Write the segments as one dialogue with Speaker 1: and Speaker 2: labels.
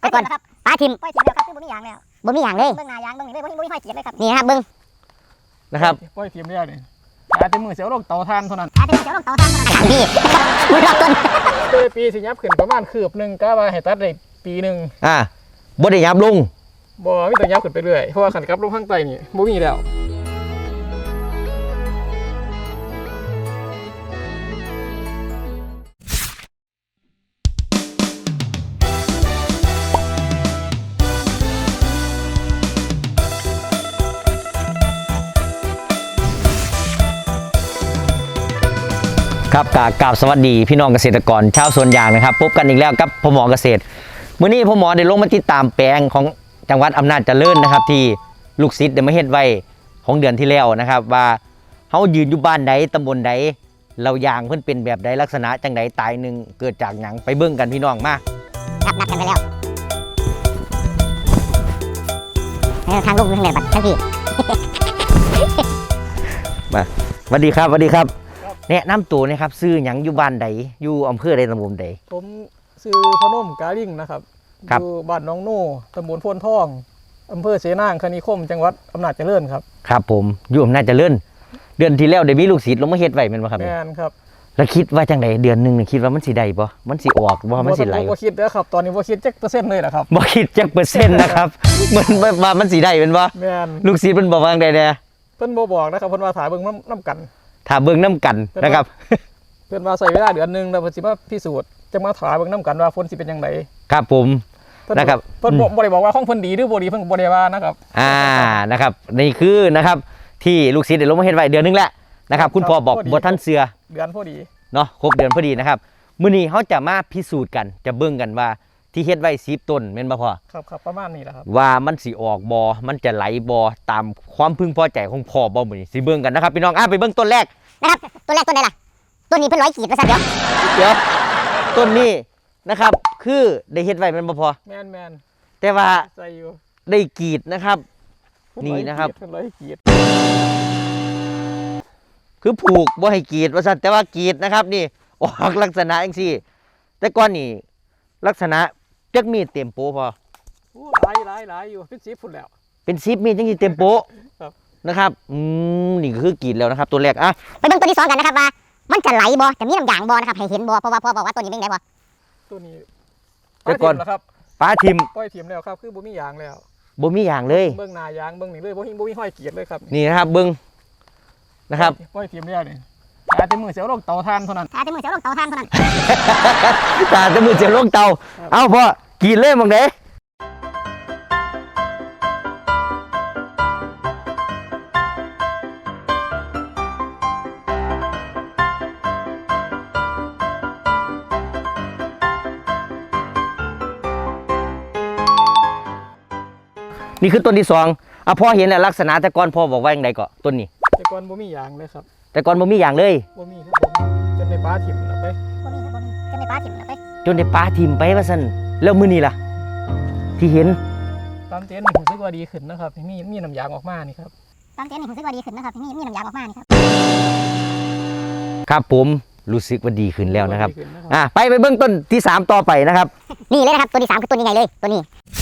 Speaker 1: แต่ก่อนป้าทิม
Speaker 2: ปล่อยทีมแล้วครับคือบ่มีอย่างแล้ว
Speaker 1: บ่มีอย่างเลย
Speaker 2: เบิ่งหน้ายางเบิ่งนี่เลยบ่มีห้อยเกียรเลยครับ
Speaker 1: นี่นะครับเบิ้ง
Speaker 3: นะครับปล่อยทีมแล้วนี่อาจจะมือเสียวลงเตาถ่านเท่านั้น
Speaker 2: อาจจะเสียวลงเตาถ่านเท่านั้น
Speaker 1: ทางพี่มือรอบต้น
Speaker 3: ตัวปีสิยับขึ้นประมาณคืบหนึ่งก็ว่าให้ตัดได้ปีหนึ่ง
Speaker 4: บ่ได้ยับลง
Speaker 3: บ่มีแต่ยับขึ้นไปเรื่อยเพราะว่าขันกับลงข้างใต้นี่บ่มีแล้ว
Speaker 4: ครับกราบสวัสดีพี่น้องเกษตรกรชาวสวนยางนะครับพบกันอีกแล้วกับพ่อหมอเกษตรมื้อนี้พ่อหมอได้ลงมาติดตามแปลงของจังหวัดอำนาจเจริญนะครับที่ลูกศิษย์ได้มาเฮ็ดไว้ของเดือนที่แล้วนะครับว่าเฮายืนอยู่บ้านใดตำบลใดเรายางเพิ่นเป็นแบบใดลักษณะจังใดตายหนึ่งเกิดจากหยังไปเบิ่งกันพี่น้องมา
Speaker 1: ครับนัดกันไปแล้วทางลูกอยู่ทางไหนบัดทางพี่
Speaker 4: มาสวัสดีครับสวัสดีครับแนะนำตัวนะครับซื้อหยังอยู่บ้านใดอยู่อำเภอใดตำบลใด
Speaker 3: ผมชื่อพนมกาลิ่งนะครับอยู่บ้านน้องโน่ตำบลโพนทองอำเภอเสนางคณิคมจังหวัดอำนาจเจริญครับ
Speaker 4: ครับผมอยู่อำนาจเจริญเดือนที่แล้วได้มีลูกศิษย์ลงมาเฮ็ดไว้แม่นบ่ครับ
Speaker 3: แม่นครับ
Speaker 4: แล้วคิดว่าจังไดเดือนนึงคิดว่ามันสิได้บ่มันสิออกบ่มันสิไหล
Speaker 3: บ่คิดเด้อครับตอนนี้บ่คิดจักเปอร์เซ็นต์เลยล่ะครับ
Speaker 4: บ่คิดจักเปอร์เซ็นต์นะครับมันว่ามันสิได้แม่นบ่
Speaker 3: แม่น
Speaker 4: ลูกศิษย์เพิ่นบอกว่าจังไดแน่
Speaker 3: เพิ่นบ่บอกนะครับเพิ่นว่าถ่ายเบิ่งน้ำกัน
Speaker 4: ถ้าเบิ่งนํกันนะครับ
Speaker 3: เพิ่นว่าใช้เวลาเดือนนึงแล้วเพิ่นสิมาพิสูจน์จะมาถ่ายเบิ่งน้ำกันว่าฝนสิเป็นจังได
Speaker 4: ครับผมนะครับ
Speaker 3: เพิ่นบ่ได้บอกว่าของเพิ่นดีหรือบ่ดีเพิ่นบ่ได้ว่านะครับ
Speaker 4: นะครับนี่คือนะครับที่ลูกศิษย์ได้ลงมาเฮ็ดไว้เดือนนึงแล้วนะครับคุณพ่อบอกบ่ทันเชื่อ
Speaker 3: เดือนพอดี
Speaker 4: เนาะครบเดือนพอดีนะครับมื้อนี้เฮาจะมาพิสูจน์กันจะเบิ่งกันว่าที่เฮ็ดไว้10ต้นแม่นบ่พ่อ
Speaker 3: ครับประมาณนี้แหละครับ
Speaker 4: ว่ามันสิออกบ่มันจะไหลบ่ตามความพึงพอใจของพ่อบ่มื้อนี้สิเบิ่งกันนะครับพี่น้องไปเบิ่งต้นแรก
Speaker 1: นะครับต้นแรกต้นไหนล่ะต้นนี้เพิ่น100 ขีดว่าซั่น
Speaker 4: เดี๋ยวต้นนี้นะครับคือได้เฮ็ดไว้แม่นบ่พ่อ
Speaker 3: แม่น
Speaker 4: แต่ว่า
Speaker 3: ใส่อยู่
Speaker 4: ได้กรีดนะครับนี่นะครับ
Speaker 3: 100 ขีด
Speaker 4: คือผูกบ่ให้กรีดว่าซั่นแต่ว่ากรีดนะครับนี่ออกลักษณะจังซี่แต่ก่อนนี่ลักษณะจักมีดเต็มโปพอ
Speaker 3: หลายอยู่เป็น10พุ่นแล้ว
Speaker 4: เป็น10มีดจังสิเต็มโปนะครับนี่คือกรีดแล้วนะครับตัวแรก
Speaker 1: ไปเบิ่งตัวที่2กันนะครับว่ามันจะไหลบ่จะมีน้ำยางบ่นะครับให้เห็นบ่เพราะว่าพ่อบอกว่าตัวนี้เป็นไงบ่
Speaker 3: ตัวนี้
Speaker 4: แต่ก่อน
Speaker 3: นะครับ
Speaker 4: ป้าทิม
Speaker 3: ปล่อยทิมแล้วครับคือบ่มียางแล้ว
Speaker 4: บ่มียางเลย
Speaker 3: เบิ่งหน้ายางเบิ่งนี่เลยบ่มีห้อยเกียรเลยครับ
Speaker 4: นี่นะครับเบิ่งนะครับ
Speaker 3: ปล่อยทิมแล้วนี่อาจจะมือเสียวลงเตาถ่านเท่านั้น
Speaker 1: อาจจะมือเสียวลงเตาถ่านเท่านั้น
Speaker 4: ตาจะมือเสียวลงเตาเอ้าพ่อกรีดเลยบังเด้นี่คือต้นที่2พ่อเห็นแล้วลักษณะแต่ก่อนพ่อบอกว่าอย่างไรก็ต้นนี้
Speaker 3: แต่ก่อนบ่มียางเลยครับ
Speaker 4: แต่ก่อนบ่มียางเลย
Speaker 3: บ่มีครับจนในป่าถิ่มแล้วไป
Speaker 1: บ่มีครับจนในป่าถิ่มแล้วไป
Speaker 4: จนในป่าถิ่มไปว่าซั่นแล้วมื้อนี้ล่ะที่เห็น
Speaker 3: ตามเต็นท์รู้สึกว่าดีขึ้นนะครับมีน้ำยางออกมานี่ครับ
Speaker 1: ตามเต็นท์รู้สึกว่าดีขึ้นนะครับมีน้ำยางออกมานี่ครับ
Speaker 4: ครับผมรู้สึกว่าดีขึ้นแล้วนะครับไปเบื้องต้นที่3ต่อไปนะครับ
Speaker 1: นี่เลยนะครับตัวที่3คือตัวนี้ไงเลยตัวนี้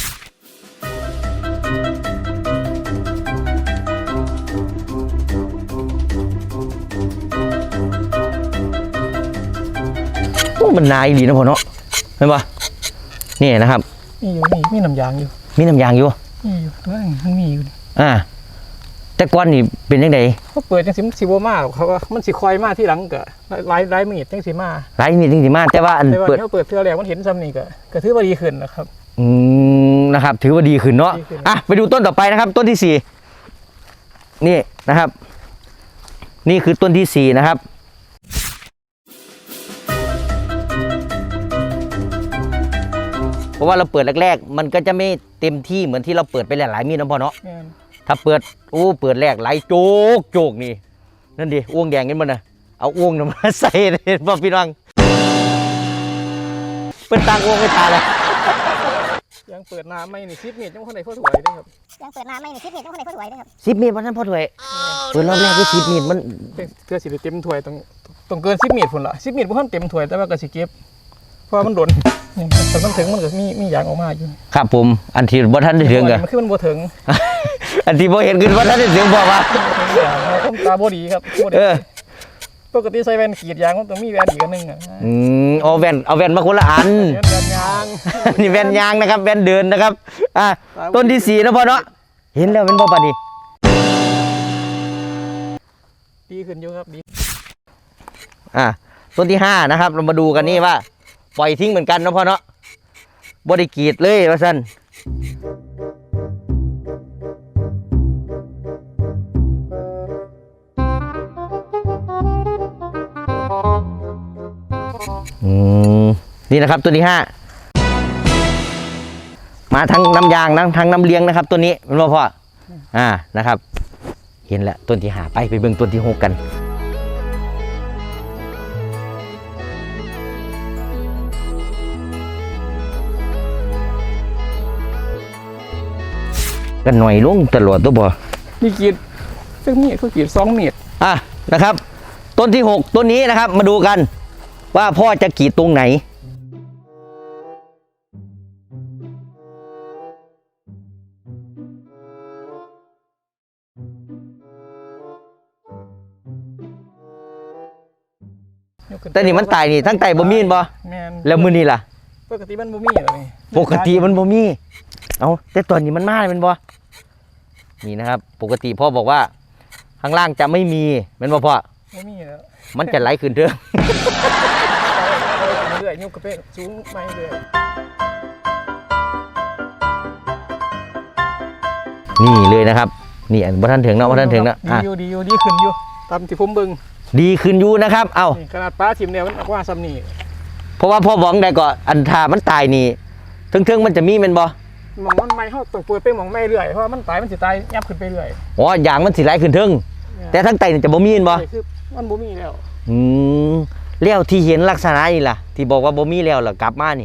Speaker 4: มันนายดีนะพ่อเนาะเห็นปะนี่นะครับ
Speaker 3: มีน้ำยางอยู่
Speaker 4: มีน้ำยางอยู่
Speaker 3: มีอยู่มันมีอยู่
Speaker 4: แต่ก่อนนี่เป็นยังไง
Speaker 3: เขาเปิดจังสิบ่มาเขาว่ามันสิคอยมาที่หลังก็หลายมีดจังสิมา
Speaker 4: หลายมีดจังสิมาแต่ว่า
Speaker 3: เปิดเทื่อแรกมันเห็นซ้ำนี่ก็ถือว่าดีขึ้นนะครับ
Speaker 4: นะครับถือว่าดีขึ้นเนาะไปดูต้นต่อไปนะครับต้นที่4นี่นะครับนี่คือต้นที่4นะครับเพราะว่าเราเปิดแรกๆมันก็จะไม่เต็มที่เหมือนที่เราเปิดไปหลายๆมีดนะพ่อเนาะถ้าเปิดแรกไหลโจกนี่นั่นดิอ้วงแดงกันมันนะเอาอ้วงมาใส่เลยพ่อพี่น้องเป็นตังอ้วงไม่ทานเลย
Speaker 3: ยังเปิดน้ำไม่นี่10 เมตรยังคนไหนพ่อถวยได้ครับ
Speaker 1: ยังเปิดน้ำไม่นี่10 เมตรยังคนไหนพ่อถวยได้ครับ
Speaker 4: 10 เมตรวันนั้นพ่อถวยเปิดรอบแรกก็10 เมตรมัน
Speaker 3: เพื่อสิเต็มถวยต้องเกิน10 เมตรพุ่นละ10 เมตรบ่ทันเต็มถวยแต่ว่าก็สิเก็บเพราะมันโดนนี่แต่มันถึงมันก็มียางออกมาอยู่
Speaker 4: ครับผมอันที่บ่ทันได้ถึงอะ
Speaker 3: มันคือมันบ่ถึง
Speaker 4: อันที่บ่เห็นขึ้นบ่ทันได้ถึงบอกว่า
Speaker 3: ผมตาบ่ดีครับบ่ดีปกติใส่แว่นกรีดยางมันต้องมีแว่นอีกอันหนึงอ่ะ
Speaker 4: เอาแว่นมาคนละอัน
Speaker 3: แว่นยาง
Speaker 4: นี่แว่นยางนะครับแว่นเดินนะครับต้นที่4นะพ่อเนาะเห็นแล้วเป็นบ่ปานนี้
Speaker 3: ดีขึ้นอยู่ครับดี
Speaker 4: ต้นที่5นะครับเรามาดูกันนี่ว่าปล่อยทิ้งเหมือนกันนะพ่อเนาะบ่ได้กรีดเลยว่าซั่นนี่นะครับตัวที่5มาทั้งน้ำยางทั้งน้ำเลี้ยงนะครับตัวนี้เป็นพ่อนะครับเห็นแล้วต้นที่5ไปเบิ่งต้นที่6กันกันหน่อยลงตลอดตัวบ่
Speaker 3: นี่กรีดซึ่งมีดคือกรีด2 เมตร
Speaker 4: นะครับต้นที่6ต้นนี้นะครับมาดูกันว่าพ่อจะกรีดตรงไหนแต่นี่มันตายนี่ทั้งไตบ่มีนบ่
Speaker 3: แม่น
Speaker 4: แล้วมื้อนี้ล่ะ
Speaker 3: ปกติมันบ่มีเลย
Speaker 4: ปกติมันบ่มีเอาแต่ตอนนี้มันมาเลยมันบ่นี่นะครับปกติพ่อบอกว่าข้างล่างจะไม่มีเป็นบ่พ่อ
Speaker 3: บ่มีแล้ว
Speaker 4: มันจะไหลขึ้นเด้อ
Speaker 3: เรื่อยๆยกกระเป้สูงไปเรื่อย
Speaker 4: นี่เลยนะครับนี่อันบ่ทันถึงเนาะบ่ทันถึงเนาะ
Speaker 3: ดีอยู่ดีขึ้นอยู่ตามที่ผมเบิ่ง
Speaker 4: ดีขึ้นอยู่นะครับเอ้า
Speaker 3: นี่ขนาดปลาทิ่มเนี่ยมันออกว่าซ้ำนี่
Speaker 4: เพราะว่าพ่อบอกได้ก็อันถ้ามันตายนี่ถึงมันจะมีแม่นบ่
Speaker 3: หมองมันไม่เฮาต้องเปิดไปหมองไม่เรื่อยเพราะว่ามันตายมันสิตายยับขึ้นไปเรื่อย
Speaker 4: อ๋ออย่างมันสิไหลขึ้นถึงแต่ทั้งไตนี่จะบ่มีแม่นบ่
Speaker 3: คือมันบ่มีแล้ว
Speaker 4: แล้วที่เห็นลักษณะนี่ล่ะที่บอกว่าบ่มีแล้วล่ะกลับมานี่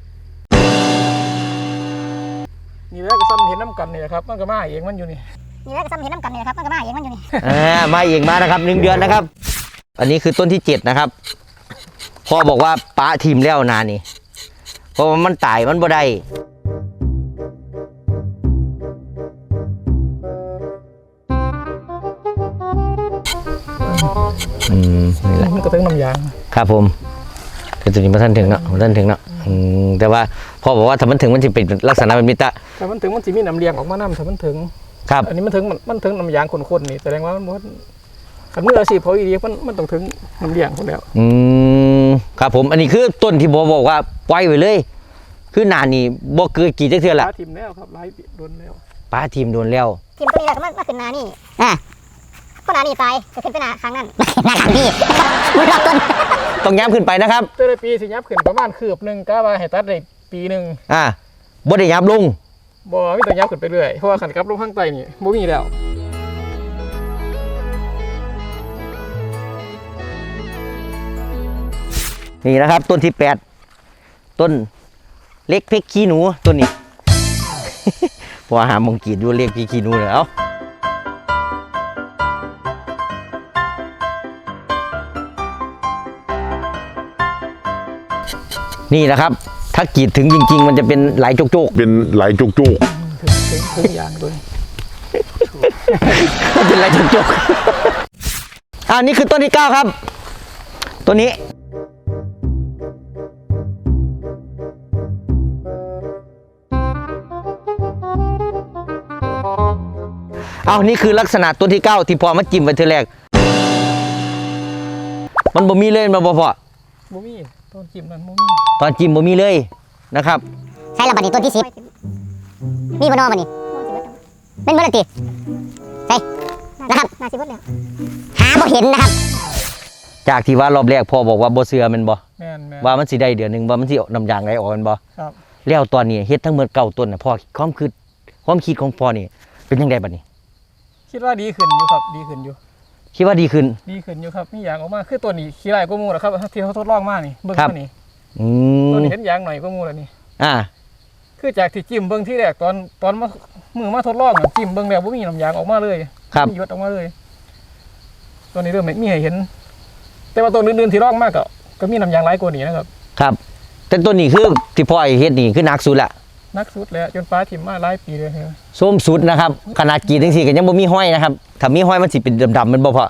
Speaker 3: นี่แหล้วก็ซ้ำเห็นน้ำกันนี่แหละครับมันก็มาเองมันอยู่นี่
Speaker 2: นี่แหละก็ซ้ำเห็นน้ำกันนี่นะครับมันก็มาเองมันอยู่นี่
Speaker 4: มาเองมานะครับ1 เดือนนะครับ อันนี้คือต้นที่7นะครับพ่อบอกว่าปะทิ่มแล้วนานี่เพราะว่ามันตายมันบ่ได้นี่แหละ
Speaker 3: มันก็ถึงน้ำยาง
Speaker 4: ครับผมแต่ตัวนี้มันทันถึงเนาะมันทันถึงเนาะแต่ว่าพ่อบอกว่าถ้ามันถึงมันจะเป็นลักษณะเป็นมิตร
Speaker 3: แต่มันถึงมันสิมีน้ำเลี้ยงออกมาน้ำถ้ามันถึง
Speaker 4: ครับ
Speaker 3: อันนี้มันถึงน้ำยางข้นๆนี่แสดงว่ามันบ่คันมืออาชีพเขาอีเดียมันต้องถึงน้ำเลี้ยงคนแล้ว
Speaker 4: ครับผมอันนี้คือต้นที่พ่อบอกว่าปล่อยไว้เลย คือหนานี่บ่เกิดกี่จักเทื่อ
Speaker 3: ป
Speaker 4: ละ
Speaker 3: ลาทิ่มแล้วครับหลายปีโดนแล้ว
Speaker 4: ป้าทีมโดนแล้ว
Speaker 2: ทีมตัวนี้แหละก็มาขึ้นนานี่ก็นานี่ตายก็ขึ้นไปนาครั้งนั้น
Speaker 1: หน้าหลังพี่มันรอบต้น
Speaker 4: ต้องย้ำขึ้นไปนะครับ
Speaker 3: แต่ละปีสิยับขึ้นประมาณคืบหนึงกะว่าให้ตัดได้ปีหนึง
Speaker 4: บ่ได้ย้ำลง
Speaker 3: บ่มีแต่ยับขึ้นไปเรื่อยเพราะว่าขันกลับลงข้างใต้นี่บ่มีแล้ว
Speaker 4: นี่นะครับ ต้นที่8ต้นเล็กเพกขี้หนูต้นนี้ พอหามงกรีดดูเล็กเพกขี้หนูเลยเอ้านี่นะครับ ถ้ากรีดถึงจริงๆ มันจะเป็นไหลโจก
Speaker 5: เป็นไหลจุก
Speaker 3: ถึงยางตัวนี้
Speaker 4: ๆ มันเป็นไหลโจกๆนี่คือต้นที่9ครับต้นนี้นี่คือลักษณะต้นที่9ที่พอมาจิ้มไปทีแรกมันบ่มีเลยมันบ่พอ
Speaker 3: บ่มีต้นจิ้มนั่นบ่มี
Speaker 4: ตอนจิ้มบ่มีเลยนะครับ
Speaker 1: ใช่แล้วบัดนี้ต้นที่10มีบ่นอบัดนี้เป็นบ่ละติใช่นะครับ
Speaker 2: นาสิบดแล้ว
Speaker 1: หาบ่เห็นนะครับ
Speaker 4: จากที่ว่ารอบแรกพ่อบอกว่าบ่เชื่อแมันบ่
Speaker 3: แม่น
Speaker 4: ว่ามันสิได้เดือนหนึงว่ามันสิน้ำยางไหลออกแมันบ่
Speaker 3: ครับ
Speaker 4: แล้วตอนนี้เฮ็ดทั้งหมด9ต้นน่ะพ่อความคิดของพ่อนี่เป็นจังไดบัดนี้
Speaker 3: คิดว่าดีขึ้นอยู่ครับดีขึ้นอยู่
Speaker 4: คิดว่าดีขึ้น
Speaker 3: อยู่ครับมียางออกมาคือตัวนี้ขี้ไร่ก็มูแล้วครับที่เขาทดลองมานี่เบิ่ง
Speaker 4: ครับ
Speaker 3: ตัวนี้
Speaker 4: อื
Speaker 3: ตัว
Speaker 4: ม
Speaker 3: นี้เห็นยางหน่อยก็มูแล้วนี่
Speaker 4: อ่า
Speaker 3: คือจากที่จิ้มเบิ่งที่แรกตอนมาทดลองอะจิ้มเบิ่งแล้วบ่มีน้ำยางออกมาเลย
Speaker 4: ครับ
Speaker 3: มีหยดออกมาเลย ตัวนี้เริ่มมีให้เห็น แต่ว่าตัวอื่นๆที่ลองมากก็มีน้ำยางหลายกว่านี้นะครับ
Speaker 4: ครับ แแต่ตัวนี้คือที่พ่อไอ้เฮ็ดนี่คือหนักสุดละ
Speaker 3: นักสุดแล้วจนฟ้าถิ่มมาหลายปีเลยครับ
Speaker 4: ส้มสุดนะครับขนาดกรีดจังซี่ก็ยังบ่มีห้อยนะครับถ้ามีห้อยมันสิเป็นดำๆมันบ่พอ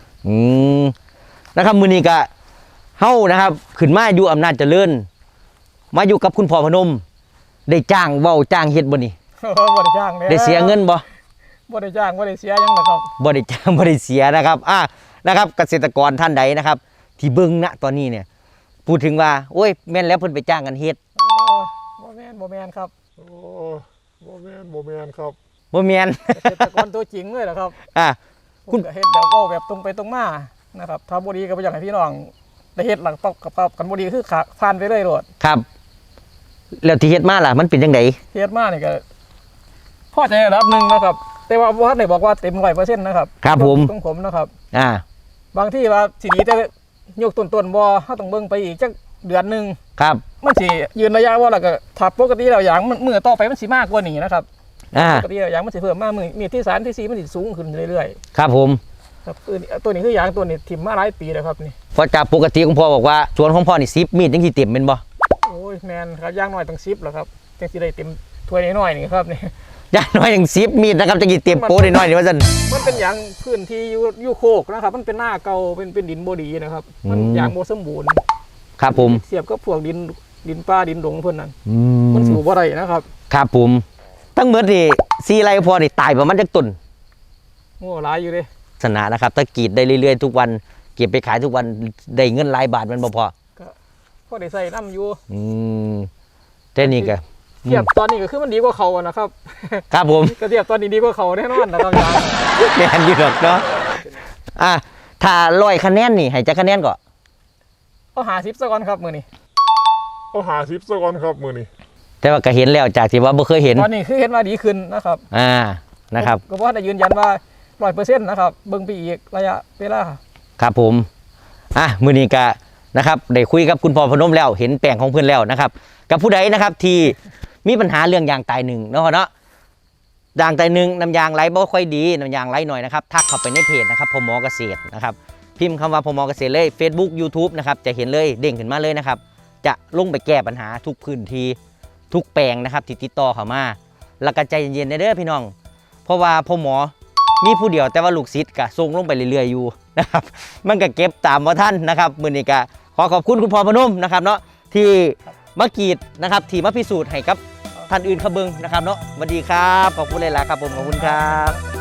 Speaker 4: นะครับมื้อนี้ก็เฮานะครับขึ้นมาอยู่อำนาจเจริญมาอยู่กับคุณพ่อพนมได้จ้างเว้าจ้างเฮ็ดบ่นี่
Speaker 3: บ่ได้จ้างเลย
Speaker 4: ได้เสียเงินบ่
Speaker 3: บ่ได้จ้างบ่ได้เสียหยังนะครับ
Speaker 4: บ่ได้จ้างบ่ได้เสียนะครับนะครับเกษตรกรท่านใดนะครับ ที่เบิ่งณตอนนี้เนี่ยพูดถึงว่าโอ้ยแม่นแล้วเพิ่นไปจ้างกันเฮ็ด
Speaker 3: บ่แม่นครับ
Speaker 5: โอ้บ่แม่นครับ
Speaker 4: บ่แม่น
Speaker 3: เกษตรกรตัวจริงเลยเหรอครับ
Speaker 4: คุ
Speaker 3: คุณ ณก็เฮ็ดแบบเอาแบบตรงไปตรงมานะครับถ้าบ่ดีก็บ่อยากให้พี่น้องได้เฮ็ดหลังตบกับกันบ่ดีคือขาผ่านไปเลยโลด
Speaker 4: ครับ แล้วที่เฮ็ดมาล่ะมันเป็นจังได
Speaker 3: เฮ็ดมานี่ก็พอใจระดับหนึงนะครับ แต่ว่าบ่ทันได้บอกว่าเต็ม 100% นะครับ
Speaker 4: ครับผม
Speaker 3: ของผมนะครับ
Speaker 4: อ่า
Speaker 3: บางที่ว่าสิดีแต่ยกต้นบ่เฮาต้องเบิ่งไปอีกจักเดือนหนึง
Speaker 4: ครับ
Speaker 3: มันสิยืนระยะว่าแล้วก็ถ้าปกติแล้วอย่างมันมื้อต่อไปมันสิมากกว่านี้นะครับ ปกติแล้วอย่างมันสิเพิ่มมามื้อมีที่3ที่4มันสิสูงขึ้นเรื่อย
Speaker 4: ครับผม
Speaker 3: ๆครับตัวนี้คืออย่างตัวนี้ถิ่มมาหลายปีแล้วครับนี่
Speaker 4: เพราะจากปกติของพ่อบอกว่าสวนของพ่อนี่10มีดจังสิเต็มแม่นบ่
Speaker 3: โอ้ยแม่นครับอย่างน้อยต้อง10แล้วครับจังสิได้เต็มถ้วยน้อยๆนี่ครับนี่
Speaker 4: อย่างน้อยอย่าง10มีดนะครับจังสิเต็มโป๊ได้น้อยนี่ว่าซั่น
Speaker 3: มันเป็นอย่างพื้นที่อยู่โคกนะครับ มันเป็นหน้าเก่าเป็นดินบ่ดีนะครับ มัน
Speaker 4: อืม
Speaker 3: อย่างบ่สมบูรณ์
Speaker 4: ครับผม
Speaker 3: เสียบกับพวกดินป่าดินดงเพิ่นนั่น
Speaker 4: อื
Speaker 3: มัน
Speaker 4: ม
Speaker 3: สูบบ่ได้นะครับ
Speaker 4: ครับผมตั้งเบิดนี่4ไร่พ่อนี่ตายประมาณจักต้น
Speaker 3: โอ้หลายอยู่เด้
Speaker 4: สนะนะครับถ้ากรีดได้เรื่อยๆทุกวันเก็บไปขายทุกวันได้เงินหลายบาทมันบ่พอ
Speaker 3: พอได้ใส่น้ำอยู่
Speaker 4: อืมแต่นี่ก็
Speaker 3: เทียบตอนนี้ก็คือมันดีกว่าเขาอะนะครับ
Speaker 4: ครับผม
Speaker 3: ก็เทียบตอนนี้ดีกว่าเขาแน่นอนนะครับอย่าง
Speaker 4: แม่นอยู่ดอกเนาะถ้า100คะแนนนี่ให้จักคะแนนก็
Speaker 3: เอา50ซะก่อนครับมื้อนี้
Speaker 5: เอา50ซะก่อนครับมื้อนี้
Speaker 4: แต่ว่าก็เห็นแล้วจากที่ว่าบ่เคยเห็น
Speaker 3: ตอนนี้คือเห็นว่าดีขึ้นนะครับ
Speaker 4: นะครับ
Speaker 3: ก็บ่ได้ยืนยันว่า 100% นะครับเบิ่งไปอีกระยะเวลา
Speaker 4: ครับผมมื้อนี้ก็นะครับได้คุยกับคุณพ่อพนมแล้วเห็นแปลงของเพื่อนแล้วนะครับ กับผู้ใดนะครับที่มีปัญหาเรื่องยางตายหนึ่งเนาะยางตายหนึ่งน้ำยางไหลบ่ค่อยดีน้ำยางไหลหน่อยนะครับทักเข้าไปในเพจนะครับพมเกษตรนะครับพิมพ์คำว่าพมเกษตรเลย Facebook YouTube นะครับจะเห็นเลยเด้งขึ้นมาเลยนะครับจะลงไปแก้ปัญหาทุกพื้นที่ทุกแปลงนะครับที่ติดต่อเข้ามาแล้วก็ใจเย็นๆเด้อพี่น้องเพราะว่าพมมีผู้เดียวแต่ว่าลูกศิษย์ก็ส่งลงไปเรื่อยๆอยู่นะครับมันก็เก็บตามว่าท่านนะครับมื้อนี้ก็ขอขอบคุณคุณพ่อพนมนะครับเนาะที่มากรีดนะครับที่มาพิสูจน์ให้กับท่านอื่นเขาเบิ่งนะครับเนาะสวัสดีครับขอบคุณเลยล่ะครับผมขอบคุณครับ